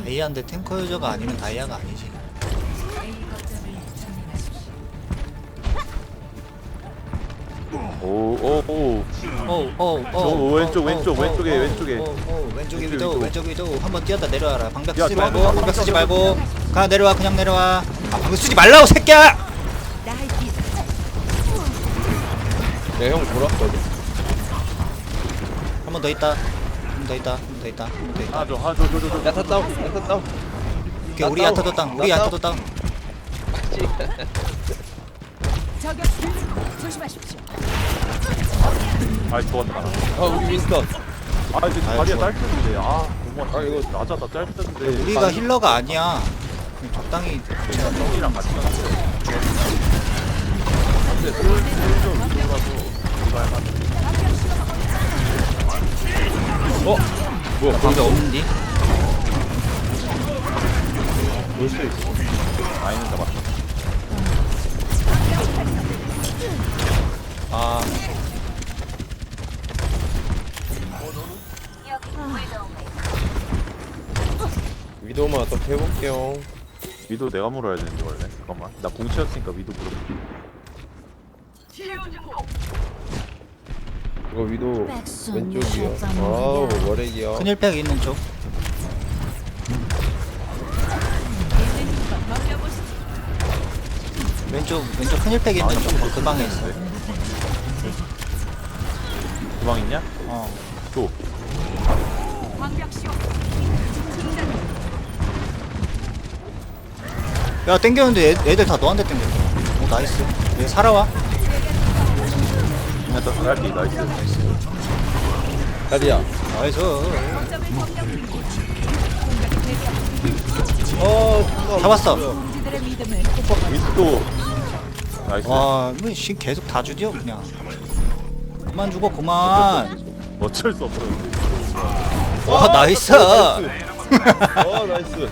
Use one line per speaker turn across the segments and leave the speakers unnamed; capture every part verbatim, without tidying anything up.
다이아인데 탱커 유저가 아니면 다이아가 아니지.
오오오
오오오
왼쪽, 왼쪽, 왼쪽에, 왼쪽에.
왼쪽에
왼쪽
위도
위도.
왼쪽 위도 한번 뛰었다 내려와라. 방벽
야,
쓰지
좋아,
말고
좋아,
방벽
좋아,
쓰지
좋아.
말고 가 내려와. 그냥 내려와. 아 방벽 쓰지 말라고 새끼야.
야형 돌았거든.
한 번 더 있다. 한 번 더 있다. 한 번 더 있다. 한 번 더 있다.
하나 줘 하나 줘 줘 줘줘
야타 다운 야타 다운.
오케이, 우리
나
야타도
다운.
땅. 우리
나
야타도 땅.
저격 조심하십시오.
아 좋았다
아 우리 윈스턴.
아 이제
아유,
다리가
좋아.
짧던데 아 너무
아, 이거-
낮았다 짧던데
우리가 힐러가 아니야. 그냥 적당히
그냥 형이랑 같이 갔어 근데 솔좀 들어가서 이거 할만
어? 뭐야
방벽 없는디?
볼수 있어.
아이는 잡았어
아
위도만 어떻게 해볼게요.
위도 내가 물어야 되는데 원래 잠깐만 나 공치였으니까 위도 물어
이거 위도
백순
왼쪽이요.
유효성
아우
무려.
머리기요.
큰일팩 있는 쪽. 왼쪽 왼쪽 큰일팩 있는 쪽. 그 방에 있어.
주방 있냐?
어.
줘
야 땡겼는데 애, 애들 다 너한테 땡겼어. 오 나이스. 얘 살아와.
일단 살기 나이스
다리야.
나이스.
어
잡았어.
그들의 믿음을
위도 나이스
와 이거 씨 계속 다 주디어 그냥. 그만 죽어 그만.
어쩔 수 없어
와 나이스.
어 나이스.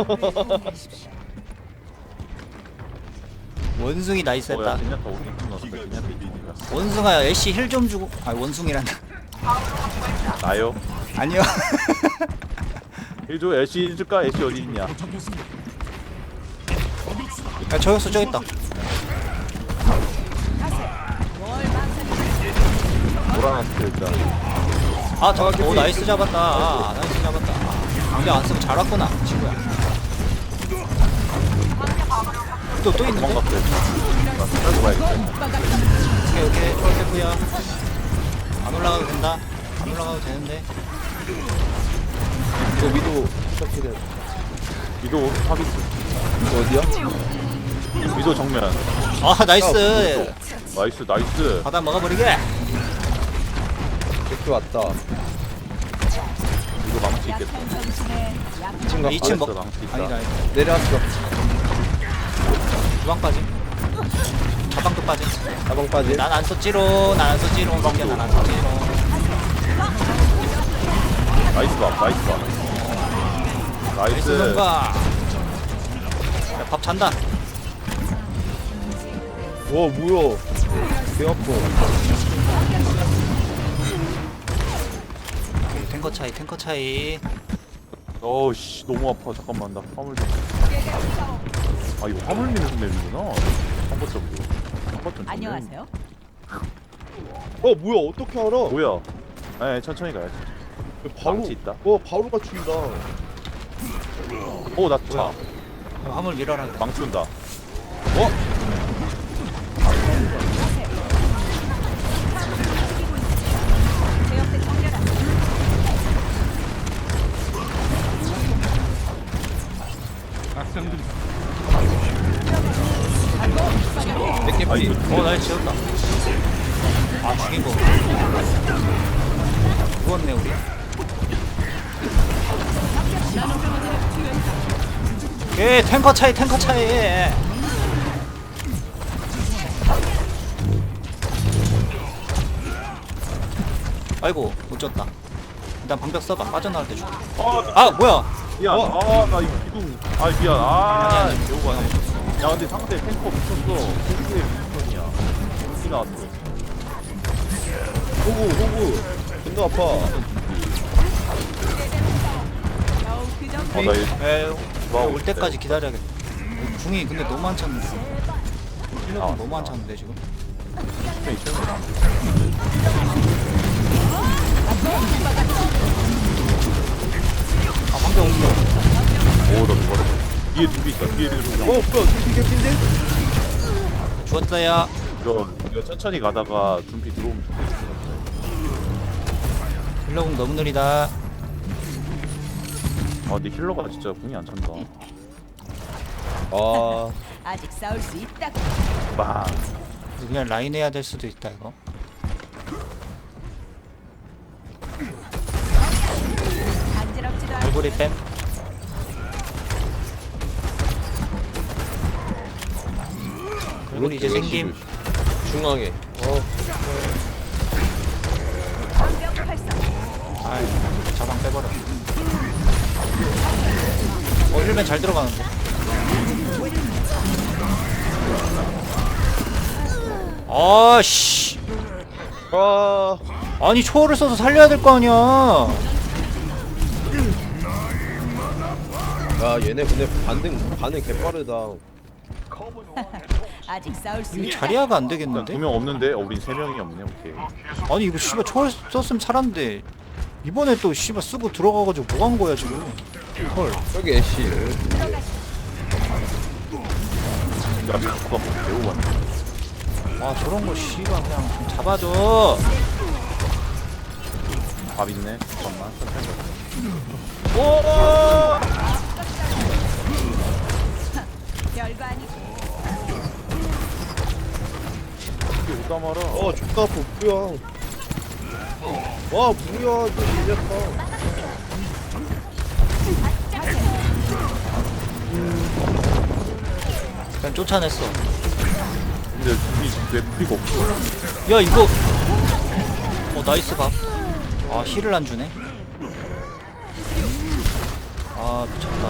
원숭이
뭐야
나이스했다.
진야타 오긴 끝났어 진야타 이기니까
원숭아 애쉬 힐 좀 주고. 아 원숭이란다.
나요?
아니요.
일조 애쉬 해줄까? 애쉬 어디 있냐?
야 저격수 저기 있다.
몰아놨을 때 일단
아 잡았다. 오 나이스 잡았다. 아, 나이스 잡았다. 방벽 안 쓰고 잘 왔구나 친구야. 또 또 있는데?
도망갔어 일단 나 살고 가야겠다
오케이 오케이 좋았고요. 안 올라가도 된다. 안 올라가도 되는데.
이거 위도 시작해야 돼.
위도 파비스
이거 어디야?
위도 정면
아 나이스.
나이스 나이스
바다 먹어버리게.
이렇게 왔다.
위도 망치 있겠다
이 층
이 층
가.
먹.
망치 있다
아니다 아니다.
내려왔어.
주방 빠짐. 자방도 빠짐.
가방 빠지.
난 안 썼지롱. 난 안 썼지롱. 먹게 난안 썼지롱.
나이스 밥 나이스 밥
나이스
나이스
뭔가. 야밥 잔다.
와 뭐야? 배 아파.
오케이, 탱커 차이 탱커 차이.
어우씨 너무 아파 잠깐만 나 화물 좀아 이거 화물 미는 맵이구나 한번점도 한번점
안녕하세요.
어 뭐야? 어떻게 알아?
뭐야 에 천천히 가야지
바로
망치 있다
어 바로 갖춘다.
오나차
어, 화물 밀어라. 그래.
망치 온다
내게
아
피.
이거
어 나이스 지웠다. 아 죽인 거. 죽었네 우리. 오케이 탱커 차이 탱커 차이. 아이고 못 졌다. 일단 방벽 써봐. 빠져나올 때 줄게. 아 뭐야?
미안
어?
아나 이거 기둥 아 미안 아
아니, 아니.
배우고 가네 야 근데 상대 탱커 미쳤어 탱크의 미션이야 어디 나왔어
호구 호구. 존나 아파.
겨우 그 정도
어, 나 이거
에,
좋아하고
올
있대.
때까지 기다려야겠다. 궁이 근데 너무 안 찼는데. 힐러가
아,
너무 안
아.
찼는데 지금.
스페인 최고.
아 방금 옮겨.
오, 나 이거 뒤에 둘이 있다. 뒤에 둘이
어
있다.
뭐야 둠피 개피인데?
죽었어요.
이거 이거 천천히 가다가 둠피 들어오면 좋겠어.
힐러궁 너무 느리다.
아, 근데 힐러가 진짜 궁이 안 찬다.
아
아직 싸울 수 있다.
빵.
그냥 라인 해야 될 수도 있다 이거.
간지럽지도 않고
얼굴이 뺨. 그리고 이제 생김.
중앙에 어
방벽 활성.
아이 자방 빼버려. 어 힐맨 잘 들어가는데. 아씨.
아,
아니 초월을 써서 살려야 될 거 아니야.
야 얘네 근데 반응 반응 개빠르다.
아직 싸울 수
이게
있다.
자리아가 안
일단
되겠는데?
두 명 없는데, 어, 우린 세 명이 없네. 오케이.
아니 이거 씨발 초월 썼으면 살았는데 이번에 또 씨발 쓰고 들어가가지고 뭐 한 거야 지금? 헐.
여기 애쉬.
야, 자꾸가 뭐 배우 왔네.
아 저런 거 씨발 그냥 좀 잡아줘.
밥 있네. 잠깐만. 천천히 가자.
별거 아니고.
이게 오다 말아.
어 죽다 아파 뭐야. 와 뭐야 이거 밀렸다.
그냥 쫓아냈어.
근데 둘이 왜 풀이가 없어?
야 이거. 어 나이스 밥. 아 힐을 안 주네. 아 미쳤다.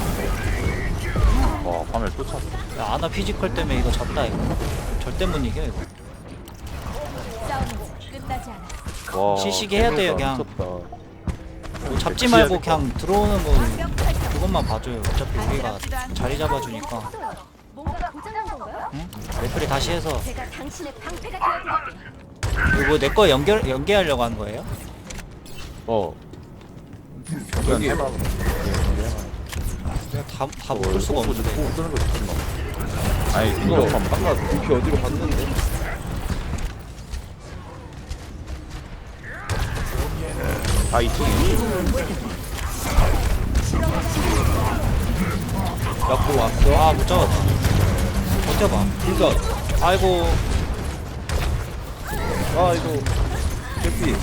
와, 밤에 또 찼어.
야 아나 피지컬 때문에 이거 졌다 이거. 절대 못 이겨 이거.
싸움은 끝나지 않아.
와,
시시게 해야 돼요,
미쳤다.
그냥. 뭐 잡지 말고 그냥 들어오는 거
방벽 활성.
그것만 봐줘요. 어차피 우리가 자리 잡아주니까.
뭔가 고장난 건가요?
응? 레플이 다시 해서.
제가 당신의 방패가 되어드릴게요.
이거 내 거 연결 연계하려고 하는 거예요?
어
여기
여기
해봐.
내가 다다 묶을 수가 없는데.
고 쓰는 거 좋지 마. 아니,
이거
이거
아까 둠피 어디로 갔는데?
아, 이쪽에.
야구 왔어?
아 못 잡았다. 버텨봐.
인선.
아이고.
아 이거 개피.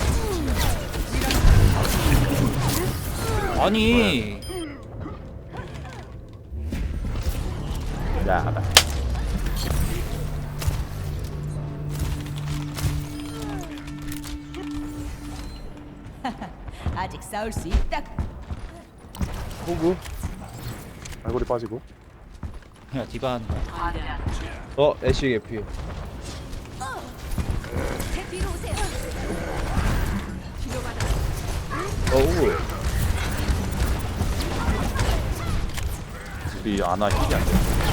아니.
야, 나.
아직 싸울 수 있다.
호구.
알고리 빠지고.
야 디바 하는 거야.
어 애쉬 개피.
제 뒤로 오세요.
어 호구.
우리 아나 힐이 안 돼.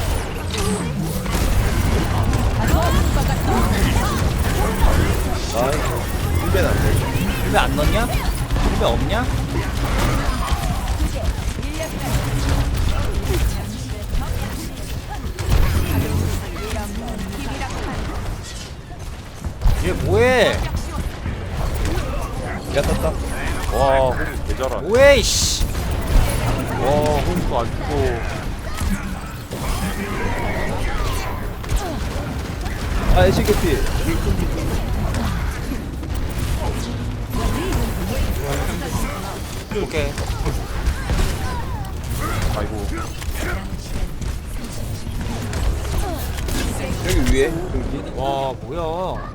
아 힐벤 안 돼.
힐베 안 넣냐? 힐베 없냐? 얘 뭐해?
야 떴다.
와, 호구 개잘하.
뭐해 이씨.
와, 호구도 안 죽고.
아 애쉬 개피.
오케이.
아이고.
여기 위에 둠피.
와 뭐야?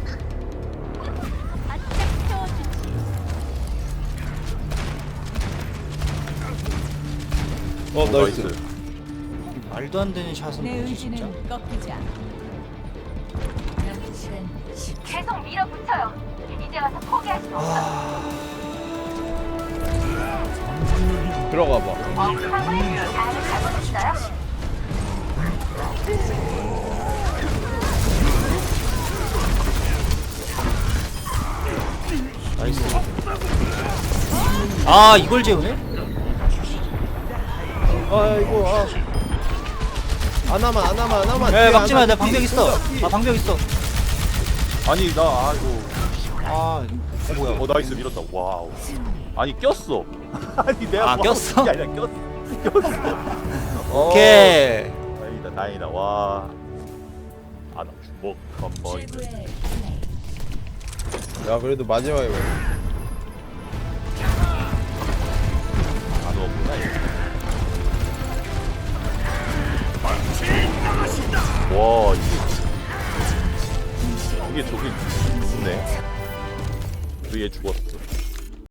어 나이스.
말도 안 되는 샷은
내
뭐지 진짜?
의지는 꺾이지 않아.
계속 밀어붙여요. 이제 와서 포기하시면
아.
들어가 봐.
나이스. 아 이걸 재우네?
아이고 아. 안하만 안하만 안하만.
야 막지마 내 방벽 있어. 아 방벽 있어.
아니 나 아이고.
아 어, 뭐야?
어 나이스 밀었다. 와우. 아니 꼈어. 아니 내가
아,
뭐
꼈어?
하는 게 아니라 꼈어. 꼈어. 어,
오케이.
다행이다 다행이다. 와. 아나 주먹 한번.
최고의
야 그래도 마지막에 뭐